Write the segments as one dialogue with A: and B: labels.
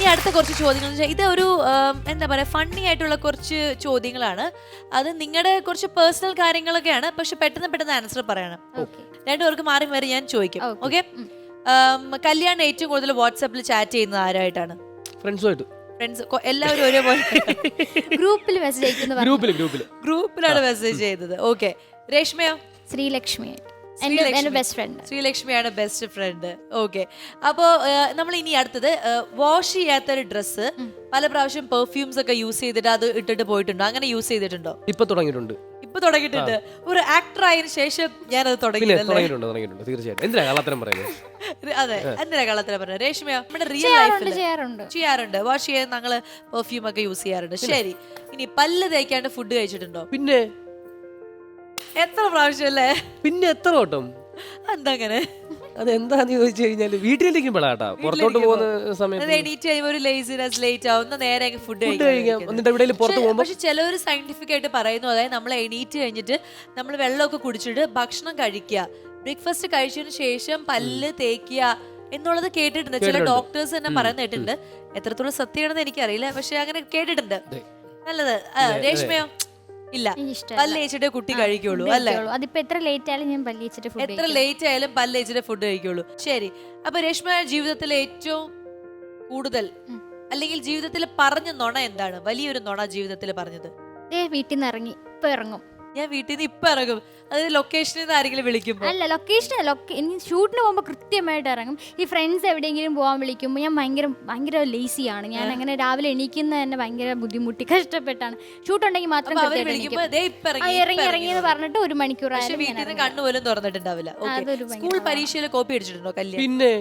A: അടുത്ത കുറച്ച് ചോദ്യങ്ങൾ ഇത് ഒരു എന്താ പറയാ ഫണ്ണി ആയിട്ടുള്ള കുറച്ച് ചോദ്യങ്ങളാണ്. അത് നിങ്ങളുടെ കുറച്ച് പേഴ്സണൽ കാര്യങ്ങളൊക്കെയാണ്, പക്ഷെ പെട്ടെന്ന് ആൻസർ പറയണം. രണ്ടുപേർക്ക് മാറി മാറി ഞാൻ ചോദിക്കും. ഓക്കെ. കല്യാൺ ഏറ്റവും കൂടുതൽ വാട്സാപ്പിൽ ചാറ്റ് ചെയ്യുന്നത് ആരായിട്ടാണ്?
B: ഫ്രണ്ട്സുമായിട്ട്.
A: ഫ്രണ്ട്സ് എല്ലാവരും ഒരേപോലെ
C: ഗ്രൂപ്പിൽ മെസ്സേജ് അയക്കുന്നത്.
A: ഗ്രൂപ്പിലാണ് മെസ്സേജ് ചെയ്തത്. ഓക്കെ. രേഷ്മയോ?
C: Sreelakshmi best friend.
A: ശ്രീലക്ഷ്മിയാണ് ബെസ്റ്റ് ഫ്രണ്ട്. ഓക്കെ. അപ്പോ നമ്മൾ ഇനി അടുത്തത് വാഷ് ചെയ്യാത്തൊരു ഡ്രസ്സ് പല പ്രാവശ്യം പെർഫ്യൂംസ് ഒക്കെ യൂസ് ചെയ്തിട്ട് അത് ഇട്ടിട്ട് പോയിട്ടുണ്ടോ? അങ്ങനെ യൂസ് ചെയ്തിട്ടുണ്ടോ?
B: ഇപ്പൊ തുടങ്ങിയിട്ടുണ്ട്.
A: ഒരു ആക്ടർ ആയതിനു ശേഷം ഞാനത്
B: തുടങ്ങിയിട്ടുണ്ട് തീർച്ചയായിട്ടും. എന്തിനാ കള്ളത്തരം പറയുന്നത്?
A: അതെ, എന്തിനാ കള്ളത്തരം പറയുന്നത്? രേഷ്മയോ? നമ്മുടെ റിയൽ ലൈഫിൽ ചെയ്യാറുണ്ട്. വാഷ് ചെയ്യാൻ ഞങ്ങള് പെർഫ്യൂം ഒക്കെ യൂസ് ചെയ്യാറുണ്ട്. ശരി. ഇനി പല്ല് തേക്കാണ്ട് ഫുഡ് കഴിച്ചിട്ടുണ്ടോ?
B: പിന്നെ
A: എത്ര പ്രാവശ്യം അല്ലേ?
B: പിന്നെ എത്ര വട്ടം?
A: എന്താ അങ്ങനെ?
B: അതെന്താന്ന് ചോദിച്ചു കഴിഞ്ഞാല് വീട്ടിലിരിക്കുമ്പോഴാട്ടാ, പുറത്തോട്ട് പോകുന്ന സമയത്ത്
A: എണീറ്റ് കഴിയുമ്പോൾ ഒരു ലേസിനെസ്, ലേറ്റ് ആവുന്ന നേരെ ഫുഡ്
B: കഴിക്കാം. എന്നിട്ട് എവിടെയെങ്കിലും പുറത്ത് പോകുമ്പോൾ
A: പക്ഷെ ചിലവർ സയന്റിഫിക് ആയിട്ട് പറയുന്നു, അതായത് നമ്മൾ എണീറ്റ് കഴിഞ്ഞിട്ട് നമ്മൾ വെള്ളമൊക്കെ കുടിച്ചിട്ട് ഭക്ഷണം കഴിക്കുക, ബ്രേക്ക്ഫാസ്റ്റ് കഴിച്ചതിന് ശേഷം പല്ല് തേക്കുക എന്നുള്ളത് കേട്ടിട്ടുണ്ട്. ചില ഡോക്ടേഴ്സ് തന്നെ പറയുന്ന കേട്ടിട്ടുണ്ട്. എത്രത്തോളം സത്യമാണെന്ന് എനിക്കറിയില്ല, പക്ഷെ അങ്ങനെ കേട്ടിട്ടുണ്ട്. നല്ലത്. രേഷ്മയോ? ഇല്ല, പല്ല് തേച്ചിട്ടേ കുട്ടി കഴിക്കുള്ളൂ അല്ലേ?
C: അതിപ്പോ എത്ര ലേറ്റ് ആയാലും ഞാൻ പല്ല് തേച്ചിട്ട്
A: പല്ല് തേച്ചിട്ടേ ഫുഡ് കഴിക്കുള്ളൂ. ശരി. അപ്പൊ രേഷ്മ ജീവിതത്തിൽ ഏറ്റവും കൂടുതൽ അല്ലെങ്കിൽ ജീവിതത്തിൽ പറഞ്ഞ നുണ എന്താണ്? വലിയൊരു നുണ ജീവിതത്തിൽ പറഞ്ഞത്?
C: വീട്ടിൽ നിന്ന് ഇറങ്ങി ഇപ്പൊ ഇറങ്ങും,
A: ഞാൻ വീട്ടിൽ നിന്ന് ഇപ്പൊ ഇറങ്ങും. അതായത് ലൊക്കേഷനിൽ നിന്ന് ആരെങ്കിലും വിളിക്കുമ്പോ?
C: അല്ല, ഷൂട്ടിന് പോകുമ്പോൾ കൃത്യമായിട്ട് ഇറങ്ങും. ഈ ഫ്രണ്ട്സ് എവിടെയെങ്കിലും പോകാൻ വിളിക്കുമ്പോൾ ഞാൻ ഭയങ്കര ലേസിയാണ്. ഞാൻ അങ്ങനെ രാവിലെ എണീക്കുന്ന തന്നെ ഭയങ്കര ബുദ്ധിമുട്ടി കഷ്ടപ്പെട്ടാണ്. ഷൂട്ട് ഉണ്ടെങ്കിൽ മാത്രം ഇറങ്ങിയെന്ന് പറഞ്ഞിട്ട് 1 മണിക്കൂർ
A: വീട്ടിൽ നിന്ന് കണ്ണുപോലും തുറന്നിട്ടുണ്ടാവില്ല. സ്കൂൾ പരീക്ഷയിൽ കോപ്പി അടിച്ചിട്ടുണ്ടോ? കല്യാണം
B: പിന്നെ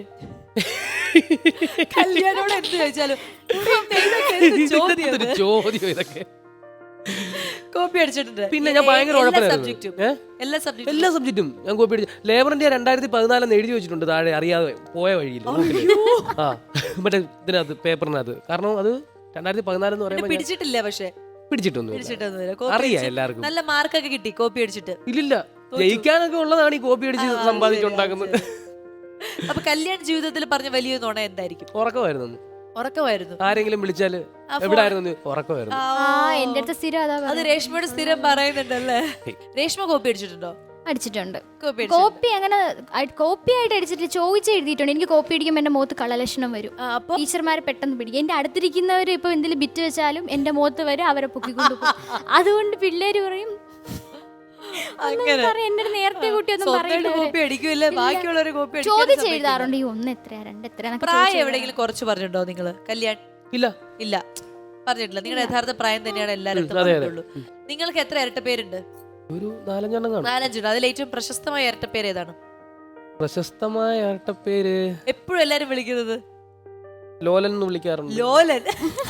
A: കല്യാണോട് എന്ത് ചോദിച്ചാലും
B: ചോദ്യം ഇതൊക്കെ
A: കോപ്പി അടിച്ചിട്ടുണ്ട്.
B: പിന്നെ ഞാൻ ഭയങ്കര
A: എല്ലാ
B: സബ്ജക്റ്റും ഞാൻ കോപ്പി അടിച്ചു. ലേബർ ഇന്ത്യ 2014 എഴുതി വെച്ചിട്ടുണ്ട് താഴെ, അറിയാതെ പോയ വഴിയിൽ. മറ്റേ ഇതിനകത്ത്, പേപ്പറിനകത്ത്. കാരണം അത് 2014 എന്ന് പറയുമ്പോൾ
A: പിടിച്ചിട്ടില്ല. പക്ഷെ
B: പിടിച്ചിട്ടൊന്നും അറിയാം എല്ലാവർക്കും.
A: നല്ല മാർക്കൊക്കെ കിട്ടി കോപ്പി അടിച്ചിട്ട്.
B: ഇല്ലില്ല, ജയിക്കാനൊക്കെ ഉള്ളതാണ് ഈ കോപ്പി അടിച്ച് സമ്പാദിച്ചുണ്ടാക്കുന്നത്.
A: അപ്പൊ കല്യാണ ജീവിതത്തിൽ പറഞ്ഞ വലിയ നുണ എന്തായിരിക്കും?
B: ഉറക്കമായിരുന്നു. ആരെങ്കിലും വിളിച്ചാല് എവിടായിരുന്നു? ഉറക്കമായിരുന്നു.
C: എന്റെ അടുത്ത് സ്ഥിരം
A: അത് രേഷ്മയുടെ സ്ഥിരം പറയുന്നുണ്ടല്ലേ? രേഷ്മ കോപ്പി അടിച്ചിട്ടുണ്ടോ?
C: അടിച്ചിട്ടുണ്ട്. കോപ്പി അങ്ങനെ കോപ്പി ആയിട്ട് അടിച്ചിട്ട് ചോദിച്ച് എഴുതിയിട്ടുണ്ട്. എനിക്ക് കോപ്പി അടിക്കുമ്പോൾ എന്റെ മുഖത്ത് കളലക്ഷണം വരും. ടീച്ചർമാരെ പെട്ടെന്ന് പിടിക്കും. എന്റെ അടുത്തിരിക്കുന്നവർ ഇപ്പൊ എന്തെങ്കിലും ബിറ്റ് വെച്ചാലും എന്റെ മുഖത്ത് വരും, അവരെ പൊക്കിക്കൊണ്ടു പോകും. അതുകൊണ്ട് പിള്ളേര് പറയും നേരത്തെ ചോദിച്ച് എഴുതാറുണ്ട്. ഈ 1 എത്രയാ 2 എത്രയാ.
A: പ്രായം എവിടെയെങ്കിലും കുറച്ച് പറഞ്ഞിട്ടുണ്ടോ നിങ്ങള്? കല്യാണം ഇല്ല പറഞ്ഞിട്ടില്ല. നിങ്ങളുടെ യഥാർത്ഥ പ്രായം തന്നെയാണ് എല്ലാവരും. നിങ്ങൾക്ക് എത്ര ഇരട്ട പേരുണ്ട്?
B: ഒരു 4
A: അതിൽ ഏറ്റവും പ്രശസ്തമായ ഇരട്ട പേര് ഏതാണ്?
B: പ്രശസ്തമായ ഇരട്ട പേര്
A: എപ്പോഴും എല്ലാരും വിളിക്കുന്നത്
B: ലോലൻ എന്ന് വിളിക്കാറുണ്ട്.
A: ലോലൻ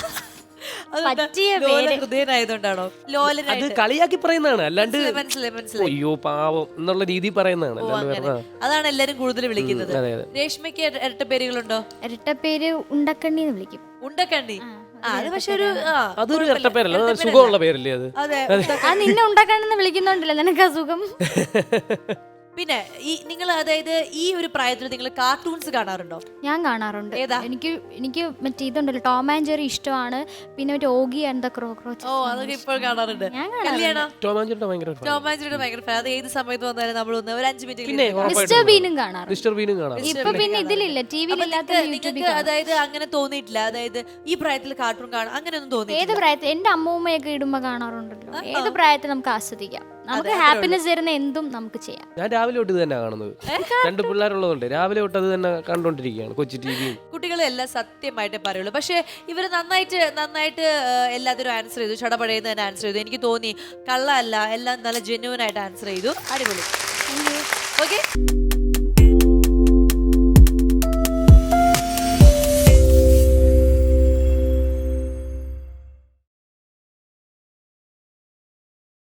A: ഹൃദയനായതുകൊണ്ടാണോ ലോലൻ?
B: അത് കളിയാക്കി പറയുന്നതാണ്, അല്ലാണ്ട് അയ്യോ പാവം എന്നുള്ള രീതി പറയുന്നതാണ്.
A: അതാണ് എല്ലാരും കൂടുതൽ വിളിക്കുന്നത്. രേഷ്മയ്ക്ക് ഇരട്ട പേരുകളുണ്ടോ?
C: ഇരട്ട പേര് ഉണ്ടക്കണ്ണി എന്ന് വിളിക്കും.
A: ഉണ്ടക്കണ്ണി. അത് പക്ഷെ
B: അതൊരു ഇരട്ട പേരല്ല, സുഖമുള്ള പേരല്ലേ അത്?
C: നിന്നെ ഉണ്ടക്കണ്ണെന്ന് വിളിക്കുന്നുണ്ടല്ലോ, നിനക്ക് അസുഖം.
A: പിന്നെ നിങ്ങൾ അതായത് ഈ ഒരു പ്രായത്തിൽ നിങ്ങൾ കാർട്ടൂൺസ് കാണാറുണ്ടോ?
C: ഞാൻ കാണാറുണ്ട്. എനിക്ക് മറ്റേ ഇതുണ്ടല്ലോ, ടോം ആൻഡ് ജെറി ഇഷ്ടമാണ്. പിന്നെ മറ്റേ ഓഗി ആൻഡ് ദ ക്രോക്രോച്ച്.
A: അതൊക്കെ ഇപ്പോൾ കാണാറുണ്ട്.
B: ടോം ആൻഡ് ജെറിയുടെ ഭയങ്കര
A: ഫാൻ. അത് ഏത് സമയത്ത് വന്നാലും നമ്മൾ ഒരു 5 മിനിറ്റ്.
C: മിസ്റ്റർ ബീനും കാണാറുണ്ട്.
A: ഇപ്പൊ പിന്നെ ഇതിലില്ല, ടിവിയിലില്ലാത്ത. അതായത് അങ്ങനെ തോന്നിയിട്ടില്ല? അതായത് ഈ പ്രായത്തിൽ കാർട്ടൂൺ കാണാൻ അങ്ങനെയൊന്നും തോന്നി?
C: ഏത് പ്രായത്തിൽ? എന്റെ അമ്മൂമ്മയൊക്കെ ഇടുമ്പോ കാണാറുണ്ടല്ലോ. ഏത് പ്രായത്തിൽ നമുക്ക് ആസ്വദിക്കാം. നമുക്ക് ഹാപ്പിനെസ് തരുന്ന എന്തും നമുക്ക് ചെയ്യാം.
B: ഞാൻ രാവിലെ തൊട്ട് തന്നെ കാണുന്നത്. 2 പിള്ളേരുള്ളതുകൊണ്ട് രാവിലെ തൊട്ട് അത് തന്നെ കണ്ടോണ്ടിരിക്കുകയാണ്. കൊച്ചു ടിവിയും
A: കുട്ടികളെല്ലാം സത്യമായിട്ടേ പറയുള്ളൂ. പക്ഷെ ഇവര് നന്നായിട്ട് എല്ലാത്തിനും ആൻസർ ചെയ്തു. ചടപടയെന്ന് തന്നെ ആൻസർ ചെയ്തു. എനിക്ക് തോന്നി കള്ളല്ല, എല്ലാം നല്ല ജെന്യുവൻ ആയിട്ട് ആൻസർ ചെയ്തു. അടിപൊളി. ഓക്കെ.